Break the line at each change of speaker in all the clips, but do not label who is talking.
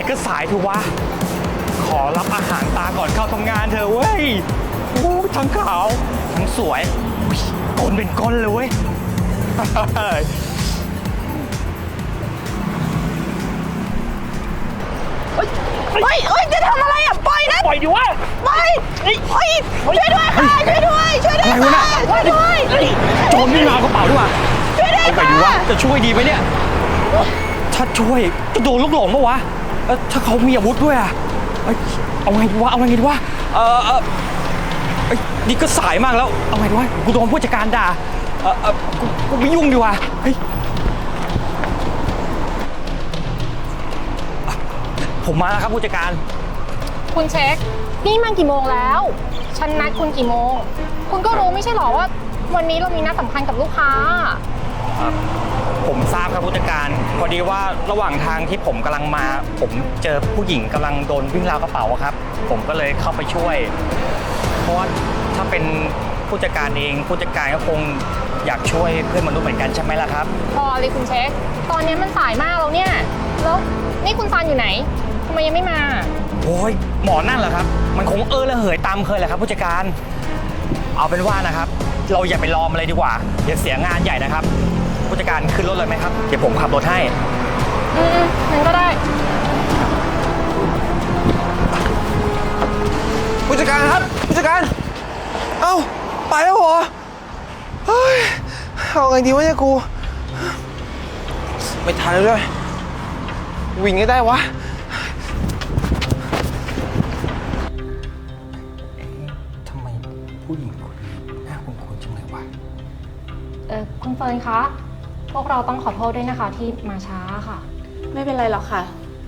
ก็สายเถอะวะขอรับอาหารตาก่อนเข้าทำงานเถอะเว้ยโอ้ทั้งขาวทั้งสวยก้นเป็นก้นเลยเว้ย
เฮ้ยจะทำอะไรอ่ะปล่อยนะ
ปล่อยดิวะ
ปล่อยเฮ้ยช่วยด้วยค่ะช่วยด้วยช่วยด้วยค่ะช่วยด้วย
โจรไม่มาเอากระเป๋าด้วยวะ
ช่วยด้วย
เอาไป
ค่ะ
ดิวะจะช่วยดีไหมเนี่ยถ้าช่วยจะโดนลูกหลงปะวะถ้าเขามีอาวุธด้วยอะเอาไงดีวะเอาไงดีวะนี่ก็สายมากแล้วเอาไงดีวะกูโดนผู้จัดการด่ากูไม่ยุ่งดีกว่าเฮ้ยผมมาแล้วครับผู้จัดการ
คุณเช็คนี่มันกี่โมงแล้วฉันนัดคุณกี่โมงคุณก็รู้ไม่ใช่หรอว่าวันนี้เรามีนัดสำคัญกับลูกค้า
ผมทราบครับผู้จัดการพอดีว่าระหว่างทางที่ผมกำลังมาผมเจอผู้หญิงกำลังโดนวิ่งราวกระเป๋าครับผมก็เลยเข้าไปช่วยเพราะว่าถ้าเป็นผู้จัดการเองผู้จัดการก็คงอยากช่วยเพื่อนมนุษย์เหมือนกันใช่ไหมล่ะครับ
พอเลยคุณเช็คตอนนี้มันสายมากแล้วเนี่ยแล้วนี่คุณซันอยู่ไหนทำไมยังไม่มา
โอ้ยหมอนั่นเหรอครับมันคงระเหยตามเคยแหละครับผู้จัดการเอาเป็นว่านะครับเราอย่าไปรอมันเลยดีกว่าอย่าเสียงานใหญ่นะครับผู้จัดการขึ้นรถเลยไหมครับเดี๋ยวผมขับรถให้
งั้นก็ได้
ผู้จัดการครับผู้จัดการเอ้าไปแล้วเหรอเฮ้ยเอาไงดีวะเนี่ยกูไม่ทันแล้วด้วยวิ่งให้ได้วะ
ทำไมผู้หญิงคนนี้หน้าคุ้นๆจังเลยวะ
คุณเฟิร์นคะพวกเราต้องขอโทษด้วยนะคะที่มาช้าค่ะ
ไม่เป็นไรหรอกค่ะ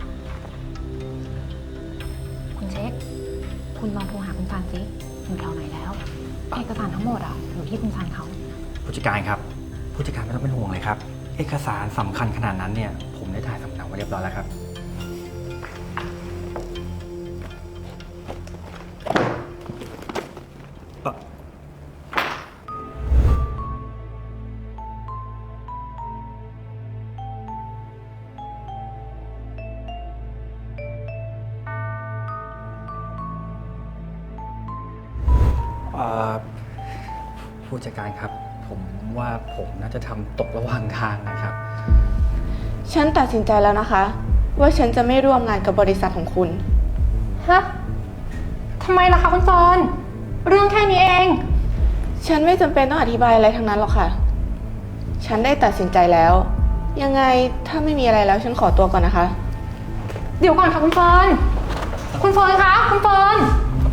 คุณเช็คคุณลองโทรหาคุณซันสิอยู่แถวไหนแล้วเอกสารทั้งหมดอยู่ที่คุณซันเขา
ผู้จัดการครับผู้จัดการไม่ต้องเป็นห่วงเลยครับเอกสารสำคัญขนาดนั้นเนี่ยผมได้ถ่ายสำเนาไว้เรียบร้อยแล้วครับผู้จัดการครับผมว่าผมน่าจะทำตกระหว่างทางนะครับ
ฉันตัดสินใจแล้วนะคะว่าฉันจะไม่ร่วมงานกับบริษัทของคุณ
ฮะทำไมล่ะคะคุณเฟิร์นเรื่องแค่นี้เอง
ฉันไม่จำเป็นต้องอธิบายอะไรทั้งนั้นหรอกค่ะฉันได้ตัดสินใจแล้วยังไงถ้าไม่มีอะไรแล้วฉันขอตัวก่อนนะคะ
เดี๋ยวก่อนค่ะคุณเฟิร์นคุณเฟิร์นคะคุณเฟิร์น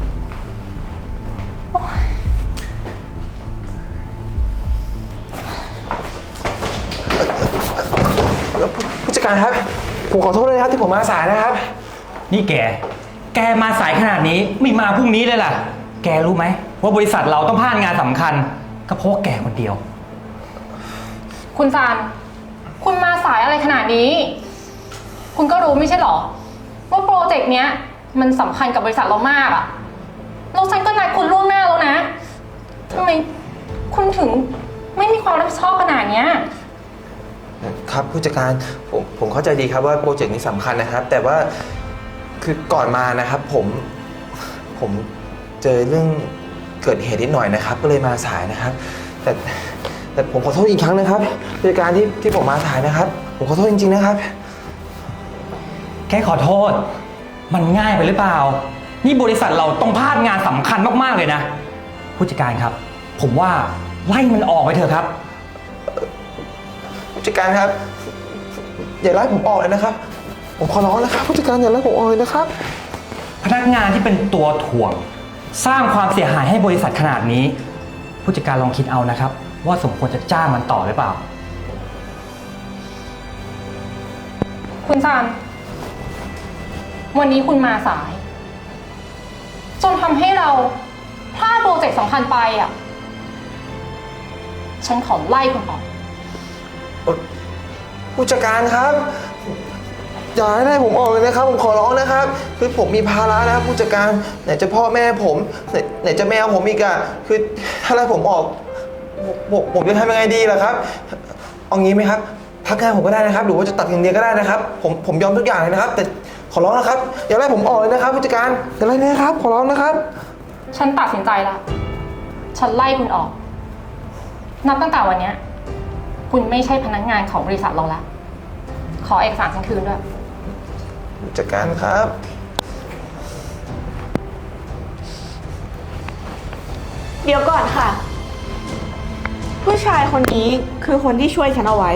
ผู้จัดการครับผมขอโทษด้วยนะครับที่ผมมาสายนะครับ
นี่แกมาสายขนาดนี้ไม่มาพรุ่งนี้เลยล่ะแกรู้ไหมว่าบริษัทเราต้องพลาดงานสำคัญก็เพราะแกคนเดียว
คุณซานคุณมาสายอะไรขนาดนี้คุณก็รู้ไม่ใช่หรอว่าโปรเจกต์เนี้ยมันสำคัญกับบริษัทเรามากอะแล้วฉันก็นัดคุณล่วงหน้าแล้วนะทำไมคุณถึงไม่มีความรับผิดชอบขนาดเนี้ย
ครับผู้จัดการผมเข้าใจดีครับว่าโปรเจกต์นี้สำคัญนะครับแต่ว่าคือก่อนมานะครับผมเจอเรื่องเกิดเหตุนิดหน่อยนะครับก็เลยมาสายนะครับแต่ผมขอโทษอีกครั้งนะครับผู้จัดการที่ผมมาสายนะครับผมขอโทษจริงๆนะครับ
แค่ขอโทษมันง่ายไปหรือเปล่านี่บริษัทเราต้องพลาดงานสำคัญมากๆเลยนะผู้จัดการครับผมว่าไล่มันออกไปเถอะครับ
ผู้จัดการครับอย่าไล่ผมออกเลยนะครับผมขอร้องนะครับผู้จัดการอย่าไล่ผมออกเลยนะครับ
พนักงานที่เป็นตัวถ่วงสร้างความเสียหายให้บริษัทขนาดนี้ผู้จัดการลองคิดเอานะครับว่าสมควรจะจ้างมันต่อหรือเปล่า
คุณซันวันนี้คุณมาสายจนทำให้เราพลาดโปรเจกต์สำคัญไปฉันขอไล่คุณออก
ผู้จัดการครับอย่าให้ผมออกเลยนะครับผมขอร้องนะครับคือผมมีภาระนะครับผู้จัดการไหนจะพ่อแม่ผมไหนจะแมวผมอีกอะคือถ้าไล่ผมออกผมจะทำยังไงดีล่ะครับเอางี้ไหมครับพักงานผมก็ได้นะครับหรือว่าจะตัดเงินเดือนก็ได้นะครับผมยอมทุกอย่างเลยนะครับแต่ขอร้องนะครับ อย่าไล่ผมออกเลยนะครับผู้จัดการอย่าไล่นะครับ ขอร้องนะครับ
ฉันตัดสินใจแล้ว ฉันไล่คุณออก นับตั้งแต่วันเนี้ยคุณไม่ใช่พนักงานของบริษัทเราละ ขอเอกสารฉันคืนด้วย
ผู้จัดการครับ
เดี๋ยวก่อนค่ะ ผู้ชายคนนี้คือคนที่ช่วยฉันเอาไว้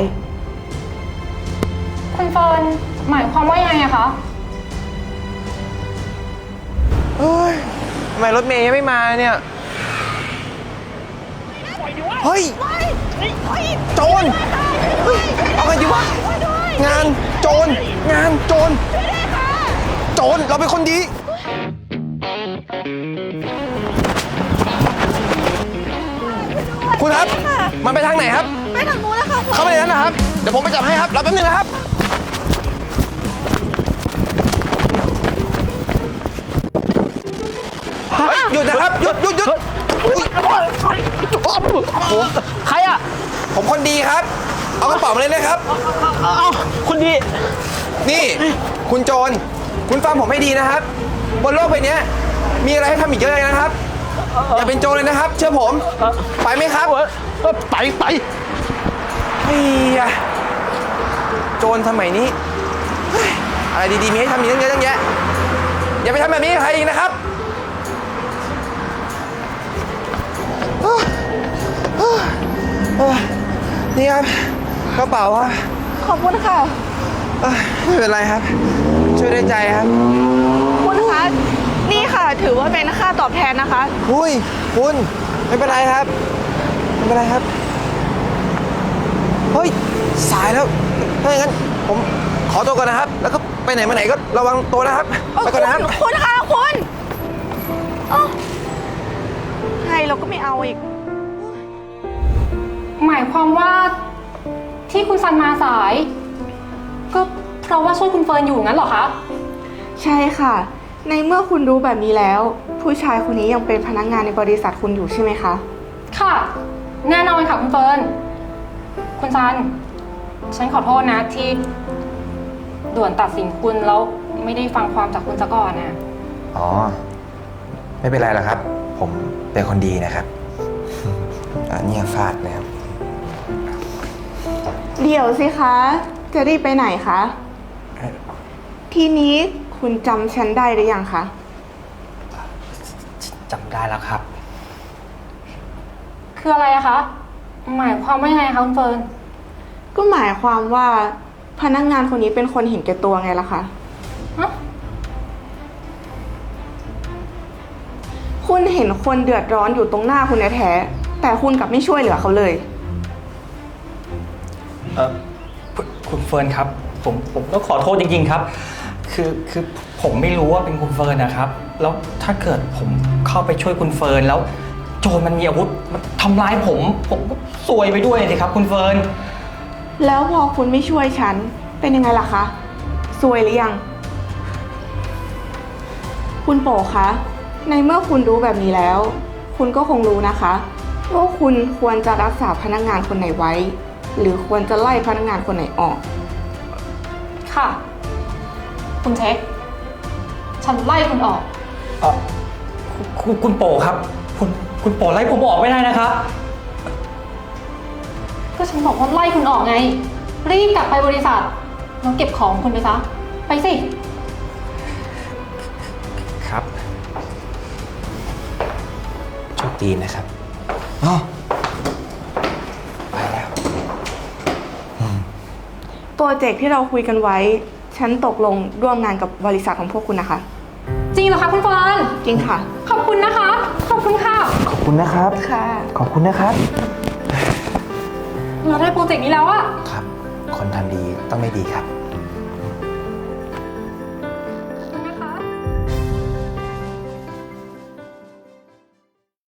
คุณเฟิร์นหมายความว่ายังไงอะคะ
เฮ้ยทำไมรถเมย์ยังไม่มาเนี่ยเฮ้ยโจรเฮ้ยเอาไงดีวะงานโจรงานโจรโจรเราเป็นคนดีคุณครับมันไปทางไหนครับไปทางนู้นแล้วค่ะเข้าไปในนั้นนะครับเดี๋ยวผมไปจับให้ครับรอแป๊บนึงนะครับหยุดนะครับหยุด
ใครอ่ะ
ผมคนดีครับเอากระเป๋ามาเลยนะครับ
เอาคุณดี
นี่คุณโจรคุณฟังผมให้ดีนะครับบนโลกใบนี้มีอะไรให้ทำอีกเยอะเลยนะครับอย่าเป็นโจรเลยนะครับ เชื่อผมไปไหมครับ
ไป
เฮ้ยโจรสมัยนี้เฮ้ยอะไรดีๆมีให้ทำอีกตั้งเยอะตั้งแยะอย่าไปทำแบบนี้กับใครอีกนะครับนี่ครับกระเป๋าครับ
ขอบคุณค่ะ
ไม่เป็นไรครับ ช่วยด้วยใจครับ
คุณคะ นี่ค่ะ ถือว่าเป็นค่าตอบแทนนะคะ
อุ้ยคุณไม่เป็นไรครับไม่เป็นไรครับเฮ้ยสายแล้วถ้าอย่างนั้นผมขอตัวก่อนนะครับ แล้วก็ไปไหนมาไหนก็ระวังตัวนะครับไปก่อนนะครับ
คุณคะคุณเอ้าให้เราก็ไม่เอาอีก
หมายความว่าที่คุณซันมาสาย ก็เพราะว่าช่วยคุณเฟิร์นอยู่งั้นเหรอคะ
ใช่ค่ะ ในเมื่อคุณรู้แบบนี้แล้ว ผู้ชายคนนี้ยังเป็นพนักงานในบริษัทคุณอยู่ใช่ไหมคะ
ค่ะ แน่นอนค่ะคุณเฟิร์น คุณซัน ฉันขอโทษนะที่ด่วนตัดสินคุณแล้วไม่ได้ฟังความจากคุณซะก่อนนะ
อ๋อไม่เป็นไรหรอกครับ ผมเป็นคนดีนะครับอันนี้ฟาดนะครับ
เดี๋ยวสิคะ จะรีบไปไหนคะ ทีนี้คุณจำฉันได้หรือยังคะ
จำได้แล้วครับ
คืออะไรอะคะ หมายความว่ายังไงคะคุณเฟิร์น
ก็หมายความว่าพนักงานคนนี้เป็นคนเห็นแก่ตัวไงล่ะคะ
ฮะ
คุณเห็นคนเดือดร้อนอยู่ตรงหน้าคุณแท้ๆแต่คุณกลับไม่ช่วยเหลือเขาเลย
คุณเฟิร์นครับ ผมต้องขอโทษจริงๆครับ คือผมไม่รู้ว่าเป็นคุณเฟิร์นนะครับ แล้วถ้าเกิดผมเข้าไปช่วยคุณเฟิร์นแล้วโจรมันมีอาวุธมันทำร้ายผมก็ซวยไปด้วยสิครับ คุณเฟิร์น
แล้วพอคุณไม่ช่วยฉันเป็นยังไงล่ะคะซวยหรือยัง คุณโป๋คะ ในเมื่อคุณรู้แบบนี้แล้ว คุณก็คงรู้นะคะว่าคุณควรจะรักษาพนักงานคนไหนไว้ หรือควรจะไล่พนักงานคนไหนออก
ค่ะ คุณเช็ค ฉันไล่คุณออก
คุณโปครับ คุณโปไล่ผมออกไม่ได้นะครับ
ก็ฉันบอกว่าไล่คุณออกไง รีบกลับไปบริษัทแล้วเก็บของคุณไปซะ ไปสิ
ครับ
โชคดีนะครับอ๋อไปแล้ว
โปรเจกต์ที่เราคุยกันไว้ ฉันตกลงร่วมงานกับบริษัทของพวกคุณนะคะ
จริงเหรอคะคุณเฟิร์น
จริงค่ะ
ขอบคุณนะคะ ขอบคุณค่ะ
ขอบคุณนะครับ
ค่ะ
ขอบคุณนะครับ
เราได้โปรเจกต์นี้แล้วอะ
ครับ คนทำดีต้องไม่ดีครับ